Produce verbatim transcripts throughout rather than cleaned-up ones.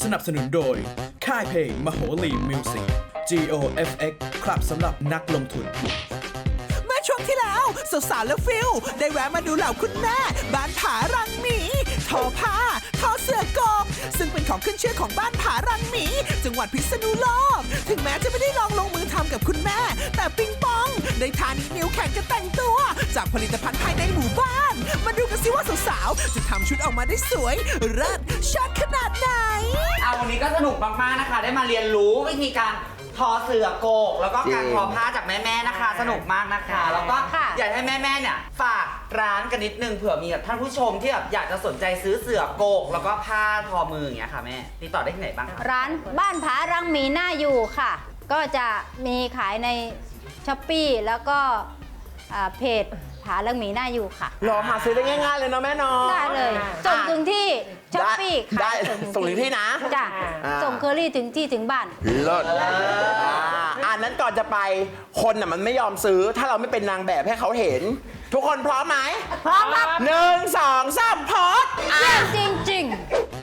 นับสนุนโดยค่ายเพลงมโหรีมิวสิก จี โอ เอฟ เอ็กซ์ ครับสำหรับนักลงทุนเมื่อช่วงที่แล้วสาวๆและฟิลได้แวะมาดูเหล่าคุณแม่บ้านผารังหมีทอผ้าทอเสือกบซึ่งเป็นของขึ้นชื่อของบ้านผารังหมีจังหวัดพิษณุโลกถึงแม้จะไม่ได้ลองลงมือทำกับคุณแม่ แต่ปิงปองได้ทานินิ้วแข่งกันแต่งตัว จากผลิตภัณฑ์ภายในหมู่บ้านมาดูกันสิว่าสาวๆจะทำชุดออกมาได้สวยเลิศชัดขนาดไหนเอาวันนี้ก็สนุกมากๆนะคะ ได้มาเรียนรู้วิธีการทอเสือโกกแล้วก็การทอผ้าจากแม่ๆนะคะ สนุกมากนะคะ แล้วก็อยากให้แม่ๆเนี่ยฝากร้านกันนิดนึงเผื่อมีแบบท่านผู้ชมที่แบบอยากจะสนใจซื้อเสือโกกแล้วก็ผ้าทอมืออย่างเงี้ยค่ะแม่ติดต่อได้ที่ไหนบ้างคะร้านบ้านผารังหมีน่าอยู่ค่ะ ก็จะมีขายในช้อปปี้แล้วก็อ่าเพจผารังหมีน่าอยู่ค่ะรอหาซื้อได้ง่ายๆเลยเนาะแม่เนาะได้เลยส่งถึงที่ช้อปปี้ได้ส่งถึงที่นะจ้ะอ่าส่งเคอรี่ถึงที่ถึงบ้านเลิศอ่าอันนั้นก่อนจะไปคนน่ะมันไม่ยอมซื้อ ถ้าเราไม่เป็นนางแบบให้เขาเห็น ทุกคนพร้อมไหมพร้อมครับหนึ่งสองสามโพสต์อ่ะเยี่ยมจริงๆ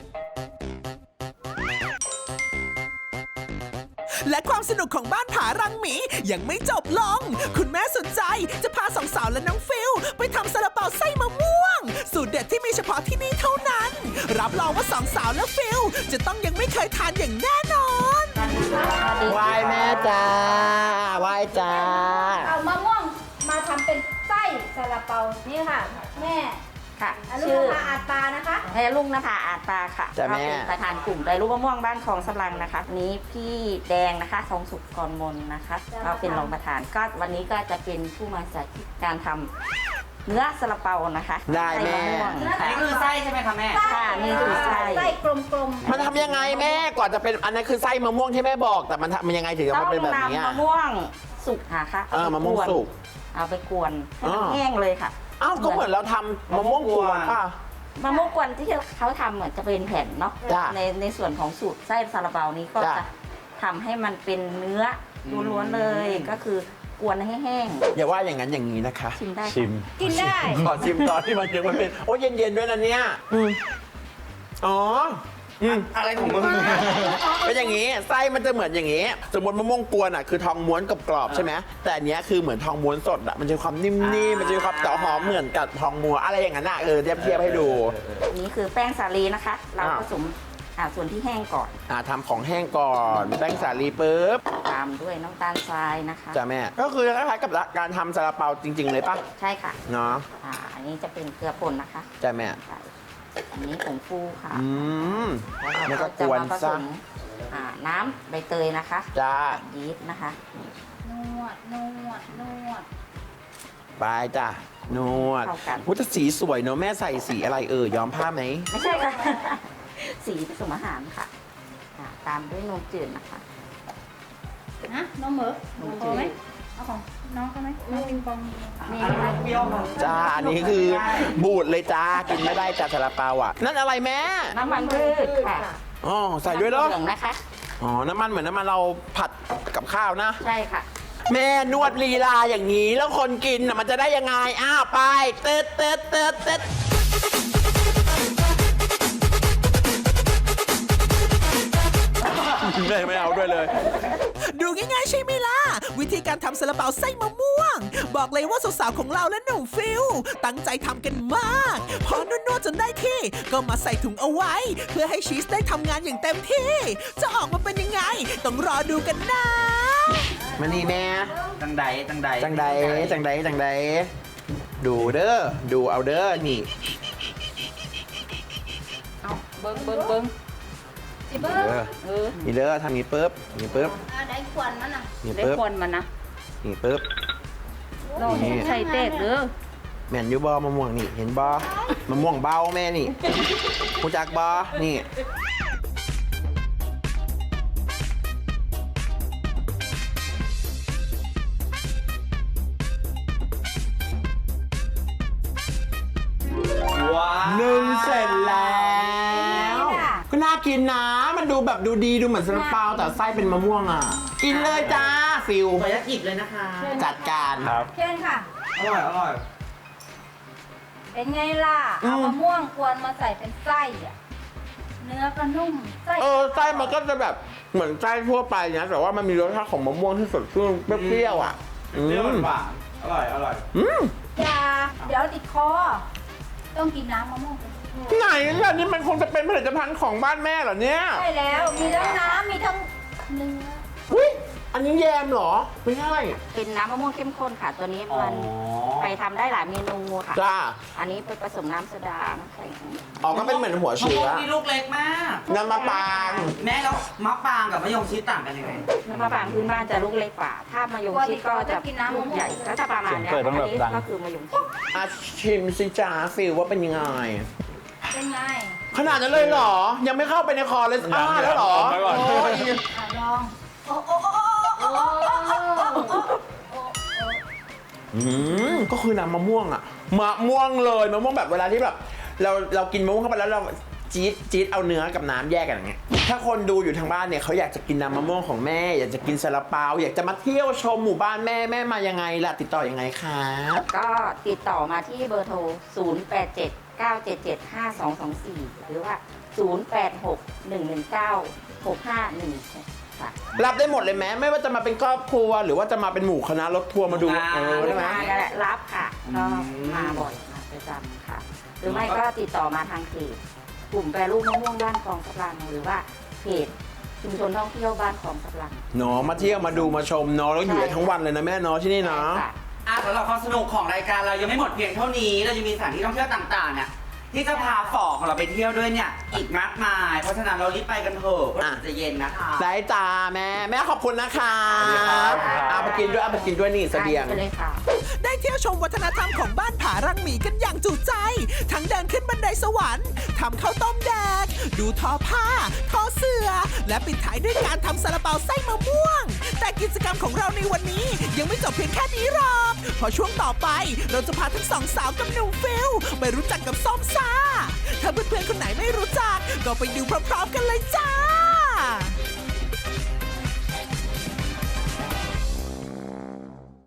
และความสนุกของบ้านผารังหมียังไม่จบลง คุณแม่สนใจจะพาสองสาวและน้องฟิลไปทำซาลาเปาไส้มะม่วง สูตรเด็ดที่มีเฉพาะที่นี่เท่านั้น รับรองว่าสองสาวและฟิลจะต้องยังไม่เคยทานอย่างแน่นอนไหว้แม่จ้าไหว้จ้าเอามะม่วงมาทำเป็นไส้ซาลาเปานี่ค่ะ แม่ค่ะอนุชื่อภาอาตานะคะแม่ลุงนภาอาตาค่ะจ้ะแม่เป็นประธานกลุ่มไดรูปมะม่วงบ้านคลองสำรังนะคะนี้พี่แดงนะคะทองสุขกรมนนะคะก็เป็นรองประธานก็วันนี้ก็จะเป็นผู้มาสาธิตการทำเนื้อซาลาเปานะคะได้แม่ใส่ะม่วงอันค่ะนี้คือไส้ใช่ไหมคะแม่ค่ะนี่คือไส้ไส้กลมๆมันทำยังไงแม่ก่อนจะเป็นอันนั้นคือไส้มะม่วงที่แม่บอก แต่มันทำมันยังไงถึงจะต้อมางเป็นแบบนี้นำอะมะม่วงสุกค่ะเออมะม่วงสุกเอาไปกวนให้มันอ่าแห้งเลยค่ะอ้าวก็เหมือนเราทำมะม่วงกวนป่ะมะม่วงกวนที่เขาทำเหมือนจะเป็นแผ่นเนาะจ้ะในในส่วนของสูตรไส้ซาลาเปานี้ก็จ้ะจะทำให้มันเป็นเนื้อล้วนๆเลย ก็คือกวนให้แห้งอย่าว่าอย่างนั้นอย่างนี้นะคะชิมได้ค่ะชิมกินได้ขอชิมตอนที่มันยังไม่เป็นโอ้ยเย็นๆด้วยนะเนี่ยอืมอ๋ออืมอะไรของมึงเป็นอย่างนี้ไส้มันจะเหมือนอย่างนี้ สมมติมะม่วงกวนอ่ะคือทองม้วนกับกรอบๆใช่ไหมแต่อันเนี้ยคือเหมือนทองม้วนสดอ่ะมันจะมีความนิ่มๆมันจะมีความแต่หอมเหมือนกับทองม้วนอะไรอย่างนั้นอ่ะเออเทียบเทียบให้ดูอันนี้คือแป้งสาลีนะคะ เราอ่าผสมอ่าส่วนที่แห้งก่อนอ่าทำของแห้งก่อนแป้งสาลีปุ๊บตามด้วยน้ำตาลทรายนะคะจ้ะแม่ก็คือคล้ายๆกับการทำซาลาเปาจริง ๆ เลยป่ะใช่ค่ะเนาะอ่าอันนี้จะเป็นเกลือป่นนะคะจ้ะแม่ใช่อันนี้ผงฟูค่ะอืมแล้วแล้วก็ก็กจะวนมาผสซะมอ่าน้ำใบเตยนะคะจ้ากับยีสต์นะคะนวด นวด นวดไปจ้ะนวดเข้ากันพุทธสีสวยเนอะแม่ใส่สีอะไรเออย้อมผ้าไหมไม่ใช่ค่ะ สีผสมอาหารค่ะอ่าตามด้วยนมจืดนะคะนะ น้องเหมอน้องพจือดไหมเอาของน้องกันไหมน้องปิงปองนี่อันนะนั้คะนเปรี้ยวมากจ้าอันนี้คือบูดเลยจ้ากินไม่ได้จ้าซาลาเปาอ่ะนั่นอะไรแม่น้ำมันพืชค่ะอ๋อใส่ด้วยเหรอเหลืองนะคะอ๋อน้ำมันเหมือนน้ำมันเราผัดกับข้าวนะใช่ค่ะแม่นวดลีลาอย่างนี้แล้วคนกินน่ะมันจะได้ยังไงอ้าวไปเต๊ดเต๊ดเต๊ดเต๊ดแม่ไม่เอาด้วยเลยดูง่ายๆใช่ไหมล่ะ วิธีการทำซาลาเปาไส้มะม่วง บอกเลยว่าสาวๆของเราและหนุ่มฟิลตั้งใจทำกันมาก พอนวดๆจนได้ที่ ก็มาใส่ถุงเอาไว้ เพื่อให้ชีสได้ทำงานอย่างเต็มที่ จะออกมาเป็นยังไง ต้องรอดูกันนะมานี่แม่จังใดจังใดจังใดจังใดจังใดดูเด้อดูเอาเด้อนี่เอาเบิ้งเบิ้งเบิ้งจิเบอเด้ร์อเออนี่เด้อทำนี้ปุ๊บนี่ปุ๊บอ่าได้ควันมันอ่ะนี่ได้ปุ๊บคนมันนะนี่ปุ๊บลองใส่เตกเด้อแม่นอยู่บ่มะม่วงนี่เห็นบ่มะม่วงเบาแม่นี่รู้จักบ่นี่ว้าวหนึ่งเสร็จแล้ว ก็น่ากินนะ มันดูแบบดูดีดูเหมือนซาลาเปาแต่ไส้เป็นมะม่วงอ่ะ กินเลยจ้าฟิวขออนุญาตหยิบเลยนะคะจัดการเชิญค่ะอร่อยอร่อยเป็นไงล่ะอืมเอามะม่วงกวนมาใส่เป็นไส้อ่ะเนื้อก็นุ่มไส้เออไส้มันก็จะแบบเหมือนไส้ทั่วไปนะแต่ว่ามันมีรสชาติของมะม่วงที่สดชื่นเปรี้ยวๆอ่ะอืเปรี้ยวมหวานอร่อยอร่อยอืมอย่าเดี๋ยวติดคอ ต้องกินน้ำมะม่วงไหนล่ะนี่มันคงจะเป็นผลิตภัณฑ์ของบ้านแม่เหรอเนี่ยใช่แล้วมีทั้งน้ำมีทั้งเนื้ออุ้ยอันนี้แยมเหรอไม่ใช่เป็นน้ำมะม่วงเข้มข้นค่ะ ตัวนี้มันไปทำได้หลายเมนูค่ะจ้าอันนี้ไปผสมน้ำโซดาน้ำแข็งอ๋อก็เป็นเหมือนหัวมะเชื้ม่วองนี่ลูกเล็กมากน้ำมะปรางแม่แล้วมะปรางกับมะยงชิดต่างกันยังไงน้ำมะปรางพื้นบ้านจะลูกเล็กกว่า ถ้ามะยงชิดก็จะลูกใหญ่ก็จะประมาณเนี้ยอันนี้ก็คือมะยงชิดอ่ะชิมสิจ้าฟิลว่าเป็นยังไงเป็นไงขนาดนั้นเลยเหรอ ยังไม่เข้าไปในคอเลยอ้าแล้วเหรอยังยังโอ้ยอ่ะลองโอ้โอ้โอ้โอ้โอ้โอ้อืมก็คือน้ำมะม่วงอะมะม่วงเลยมะม่วงแบบเวลาที่แบบเราเรากินมะม่วงเข้าไปแล้วเราจี๊ดจี๊ดเอาเนื้อกับน้ำแยกกันอย่างเงี้ยถ้าคนดูอยู่ทางบ้านเนี่ยเขาอยากจะกินน้ำมะม่วงของแม่ อยากจะกินซาลาเปาอยากจะมาเที่ยวชมหมู่บ้านแม่แม่มายังไงล่ะติดต่อยังไงคะก็ติดต่อมาที่เบอร์โทร ศูนย์ แปด เจ็ด เก้า เจ็ด เจ็ด ห้า สอง สอง สี่ หรือว่า ศูนย์ แปด หก หนึ่ง หนึ่ง เก้า หก ห้า หนึ่ง ค่ะรับได้หมดเลยไหมไม่ว่าจะมาเป็นครอบครัว หรือว่าจะมาเป็นหมู่คณะรถทัวร์มาดูเออได้ไหมมานั่นแหละรับค่ะ ก็มาบ่อยมาประจำค่ะ หรือไม่ก็ติดต่อมาทางเพจกลุ่มแปรรูปมะม่วงบ้านคลองสะลังหรือว่าเพจชุมชนท่องเที่ยวบ้านคลองสะลังเนาะมาเที่ยวมาดูมาชมเนาะแล้วอยู่ได้ทั้งวันเลยนะแม่เนาะที่นี่เนาะใช่ค่ะอ่ะสำหรับความสนุกของรายการเรายังไม่หมดเพียงเท่านี้ เรายังมีสถานที่ท่องเที่ยวต่างๆเนี่ยที่จะพาฝอของเราไปเที่ยวด้วยเนี่ยอีกมากมาย เพราะฉะนั้นเรารีบไปกันเถอะเพราะอ่ะจะเย็นนะคะได้จ้าแม่แม่ขอบคุณนะคะสวัสดีครับเอาไปกินด้วยเอาไปกินด้วยนี่เสบียงไปเลยค่ะได้เที่ยวชมวัฒนธรรมของบ้านผารังหมีกันอย่างจุใจ ทั้งเดินขึ้นบันไดสวรรค์ทำข้าวต้มแดง ดูทอผ้า ทอเสือ และปิดท้ายด้วยการทำซาลาเปาไส้มะม่วง แต่กิจกรรมของเราในวันนี้ยังไม่จบเพียงแค่นี้หรอก เพราะช่วงต่อไปเราจะพาทั้งสองสาวกับหนุ่มฟิลไปรู้จักกับส้มซ่า ถ้าเพื่อนๆคนไหนไม่รู้จัก ก็ไปดูพร้อมๆกันเลยจ้า